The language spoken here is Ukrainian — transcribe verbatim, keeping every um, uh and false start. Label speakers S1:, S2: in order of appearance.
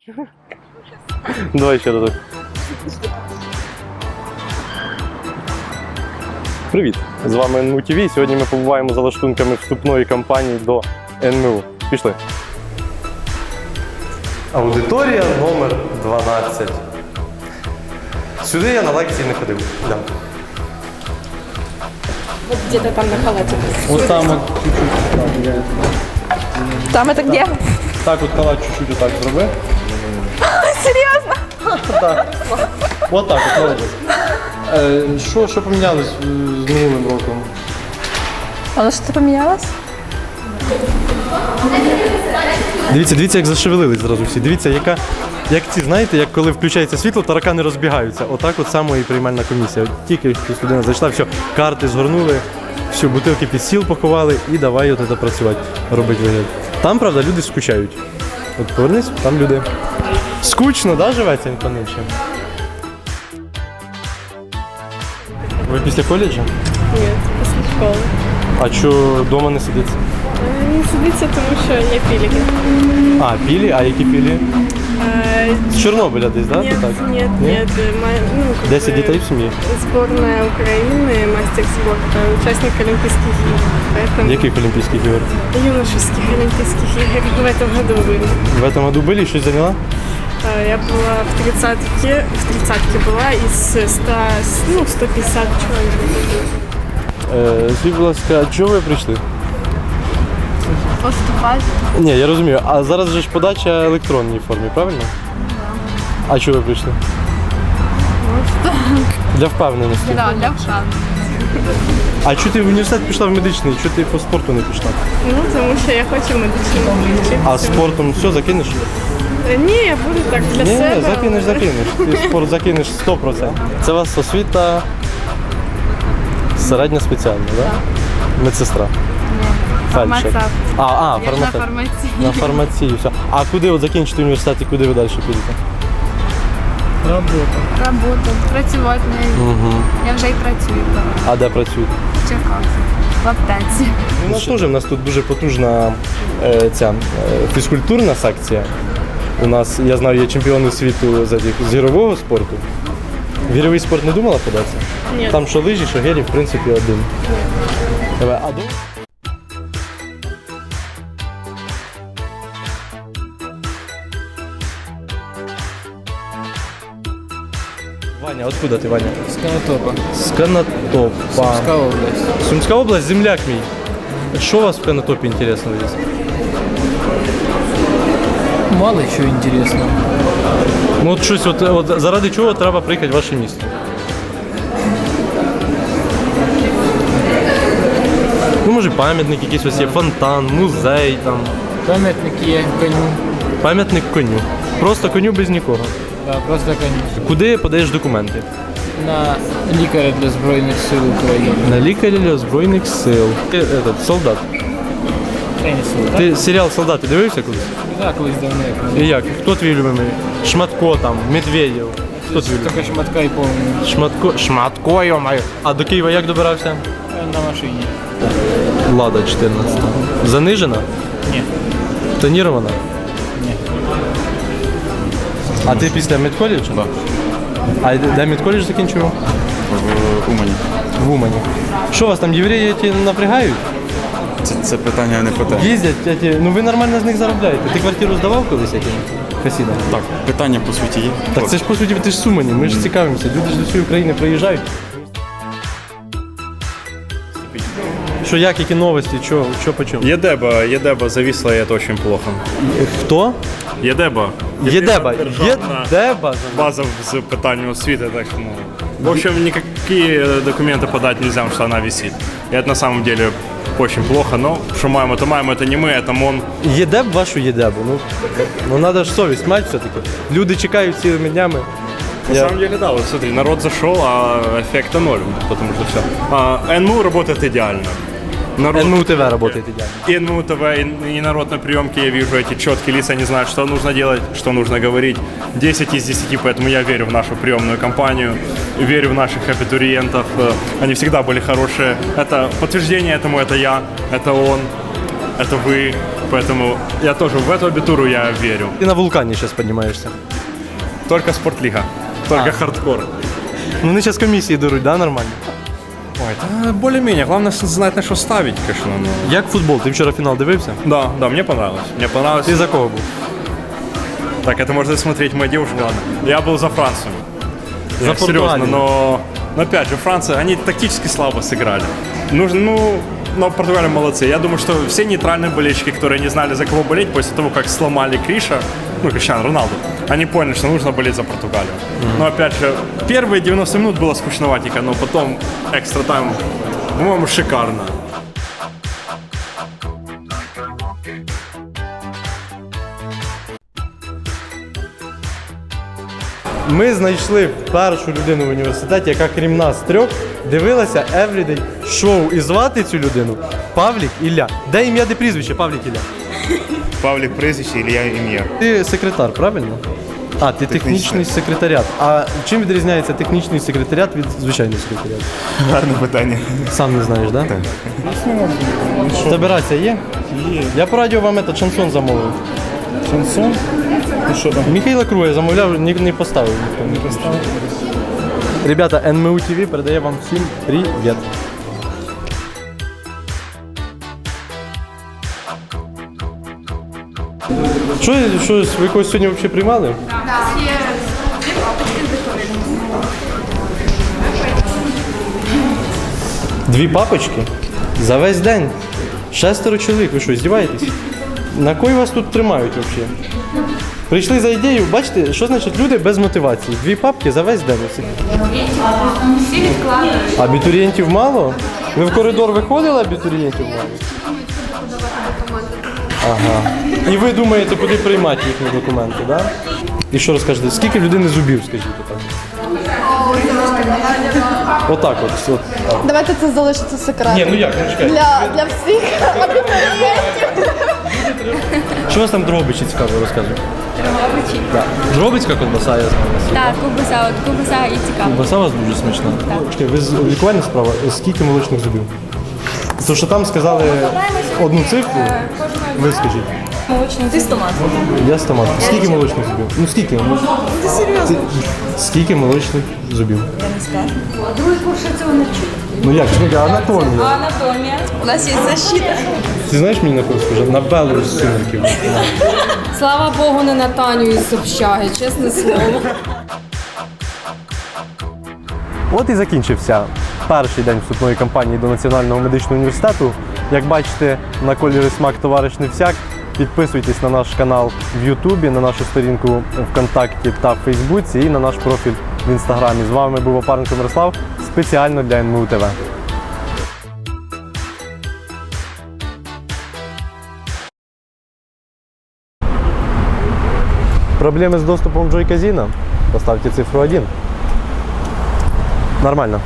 S1: Давай ще разок. Привіт! З вами ен ем у ті ві. Сьогодні ми побуваємо за лаштунками вступної кампанії до ен ем у. Пішли. Аудиторія номер дванадцять. Сюди я на лекції не ходив. Да.
S2: Вот где-то там на халате.
S3: Вот там вот чуть-чуть.
S2: Там это где?
S3: Так вот халат чуть-чуть вот так зроби.
S2: Серьезно?
S3: Так. Вот так от, молодець. Е, Що, що помінялось е, з минулим роком?
S2: Оно что-то поменялось?
S1: Дивіться, дивіться, як зашевелились зразу всі. Дивіться, яка, як ці, знаєте, як коли включається світло, таракани розбігаються. Отак от само і приймальна комісія. От тільки щось людина зайшла, все, карти згорнули, все, бутилки під стіл поховали і давай от це працювати, робити вигляд. Там, правда, люди скучають. От повернись, там люди. Скучно, да, живеться інконечним? Ви після коледжу?
S4: Ні, після школи.
S1: А чого вдома не сидиться?
S4: Не сидиться, тому що є піліки.
S1: А, пілі? А які пілі?
S4: Е,
S1: З Чорнобиля десь, так?
S4: Ні,
S1: Да?
S4: ні, ні. Ну, как
S1: Десять
S4: бы,
S1: дітей в сім'ї?
S4: Сборная Украины, мастер спорта, участник Олимпийских игр. Поэтому
S1: Яких Олімпійських ігор?
S4: юношеских Олимпийских игр в этом году были.
S1: В этом году были? Щось зайняла?
S4: Е, Я была в тридцатке, в тридцатке была из ста, ну, сто пятьдесят человек.
S1: Е, Скажіть, будь ласка, а чого ви прийшли?
S2: Поступать.
S1: Ні, я розумію. А зараз же ж подача в електронній формі, правильно? А чого ви прийшли? Для впевненості.
S2: Да, для вшан.
S1: А чого ти в університет пішла в медичний? Чого ти по спорту не пішла?
S4: Ну, тому що я хочу медичному вчитися.
S1: А спортом все закинеш?
S4: Е, Ні, я буду так для
S1: Ні,
S4: себе.
S1: ні, закинеш,
S4: але-
S1: закинеш. Ти спорт закинеш сто відсотків. Це у вас освіта середня спеціальна, так? Да? Медсестра. Фельдшер.
S2: Фармацевт.
S1: А, а,
S2: Я ж на
S1: фармацевт.
S2: фармації.
S1: На фармації, все. А куди от закінчите університет і куди ви далі підете?
S3: Робота.
S2: Роботу, працювати не.
S1: Угу.
S2: Я вже й працюю.
S1: А де працюєте?
S2: В Черкасах. В аптеці.
S1: У нас теж, у нас тут дуже потужна е, ця е, фізкультурна секція. У нас, я знаю, є чемпіони світу з, этих- з гірового спорту. В гіровий спорт не думала податися?
S4: Ні.
S1: Там що лижі, що гелі, в принципі, один. Давай, а до... Ваня, откуда ти, Ваня?
S3: З Конотопа.
S1: З Конотопа.
S3: Сумська область.
S1: Сумська область, земляк мій. Що у вас в Конотопі інтересного є?
S3: Мало чого інтересного.
S1: Ну от щось, от, от заради чого треба приїхати в ваше місто? Ну, може, пам'ятник якийсь ось є, фонтан, музей там.
S3: Пам'ятник є коню.
S1: Пам'ятник коню. Просто коню без нікого.
S3: Да, просто коню.
S1: Куди подаєш документи?
S3: На лікаря для Збройних сил України.
S1: На лікаря для Збройних сил. Ти этот, солдат.
S3: Тенісу, так?
S1: Ти серіал «Солдати» дивився колись?
S3: Так, колись давно.
S1: І як? Хто твій любимий? Шматко там, Медведєв. Хто твій любимий?
S3: Тільки шматка і повний.
S1: Шматко, Шматко, йо-моє. А до Києва як добирався?
S3: На машині.
S1: Лада чотирнадцята. Занижена?
S3: Ні.
S1: Тонірована?
S3: Ні.
S1: А ти після медколеджу? Так. А де де медколедж закінчував?
S5: В Умані.
S1: В Умані. Що вас там, євреї ті напрягають?
S5: Це, це питання не про те.
S1: Їздять, ті, ну ви нормально з них заробляєте. Ти квартиру здавав колись яким хасідам?
S5: Так, питання по суті є.
S1: Так це ж по суті ти ж з Умані, ми ж цікавимося. Люди ж до цієї України приїжджають. Що як, які новості, що, що по чому?
S6: Едеба, Едеба зависла, и это очень плохо.
S1: Хто?
S6: Едеба.
S1: Єдеба.
S6: Державна
S1: Єдеба.
S6: база з питання освіти, так что, ну, в общем, никакие документы подать нельзя, потому что она висит. И это на самом деле очень плохо, но что маем, это маем, это не мы, это МОН.
S1: Єдеб вашу єдебу. Ну, ну треба ж совість мати все-таки. Люди чекають цілими днями.
S6: На
S1: Я-
S6: самом деле, да, вот смотри, народ зашел, а эффекта ноль, потому что все. А, эн эм у работает идеально. Народ...
S1: ен ем у ТВ работает идеально.
S6: И эн эм у ТВ, и, и народ на приемке, я вижу эти четкие лица, они знают, что нужно делать, что нужно говорить. десять из десяти, поэтому я верю в нашу приемную кампанию, верю в наших абитуриентов. Э, Они всегда были хорошие. Это подтверждение этому, это я, это он, это вы. Поэтому я тоже в эту абитуру я верю.
S1: Ти на вулкані зараз піднімаєшся.
S6: Только спортлига, только хардкор.
S1: Ну вони зараз комісії беруть, да, нормально?
S6: Ой, да, более-менее. Главное знать, на что ставить, конечно. Но...
S1: Як футбол? Ти вчора фінал дивився?
S6: Да, да, мне понравилось. Мне понравилось.
S1: Ти за кого був?
S6: Так, это можно смотреть моя девушка, ладно. Я был за Францию.
S1: За
S6: Я серьезно,
S1: Португалию.
S6: но, но опять же, Франция, они тактически слабо сыграли. Нужно, ну, но Португалия молодцы. Я думаю, что все нейтральные болельщики, которые не знали, за кого болеть, после того, как сломали Криша, ну, Криштиану Роналду, они поняли, что нужно болеть за Португалию. Mm-hmm. Но опять же, первые девяносто минут было скучноватенько, но потом экстра тайм, по-моему, шикарно.
S1: Ми знайшли першу людину в університеті, яка крім нас трьох дивилася Everyday шоу. І звати цю людину Павлік Ілля. Де ім'я, де прізвище? Павлік Ілля.
S7: Павлік прізвище, Ілля ім'я.
S1: Ти секретар, правильно? А, ти технічний секретаріат. А чим відрізняється технічний секретаріат від звичайного секретаріату?
S7: Гарне питання.
S1: Сам не знаєш, так? Так. В тебе рація є? Є. Я по радіо вам этот шансон замовив.
S7: Шансон? Ну що там?
S1: Михайла Круя замовляв, ні, не поставив. Ніхто не поставив. Ребята, ен ем у ті ві передає вам всім привіт. Що, що ви когось сьогодні взагалі приймали? Дві папочки? За весь день. Шестеро чоловік. Ви що, здіваєтесь? На кой вас тут тримають взагалі? Прийшли за ідею, бачите, що значить люди без мотивації? Дві папки за весь день.
S2: Всі відкладають.
S1: Абітурієнтів мало? Ви в коридор виходили, абітурієнтів мало? Ага. І ви думаєте, куди приймати їхні документи, так? Да? І що розкажете? Скільки в людини зубів, скажіть так? Отак от. от.
S8: Давайте це залишиться секретом.
S1: Ні, ну як, ну чекайте.
S8: Для, для всіх абітурієнтів.
S1: Що у вас там дробичі цікаво розказують? Дробичі? Так. Дробицька ковбаса, я знаю.
S2: Так, кубаса, от кубаса і цікаво.
S1: Ковбаса у вас дуже смачна. Чекай, ви з лікувальна справа, скільки молочних зубів? Тому що там сказали одну цифру, ви скажіть.
S2: Молочний ти стомат.
S1: Я стомат. Скільки молочних зубів? Ну скільки? Ти серйозно? Скільки молочних зубів?
S2: Я не скажу. Другий курс цього не вчить.
S1: Ну як, чекай, анатомія.
S2: Анатомія. У нас є защита.
S1: Ти знаєш мені на кого схоже? На Беллу з «Сумерків».
S9: Слава Богу, не на Таню із общаги, чесне слово.
S1: От і закінчився перший день вступної кампанії до Національного медичного університету. Як бачите, на кольорі смак товариш не всяк. Підписуйтесь на наш канал в Ютубі, на нашу сторінку ВКонтакті та в Фейсбуці і на наш профіль в Інстаграмі. З вами був Опаренко Мирослав, спеціально для ен ем у ТВ. Проблеми з доступом в Joy Casino? Поставте цифру один. Нормально.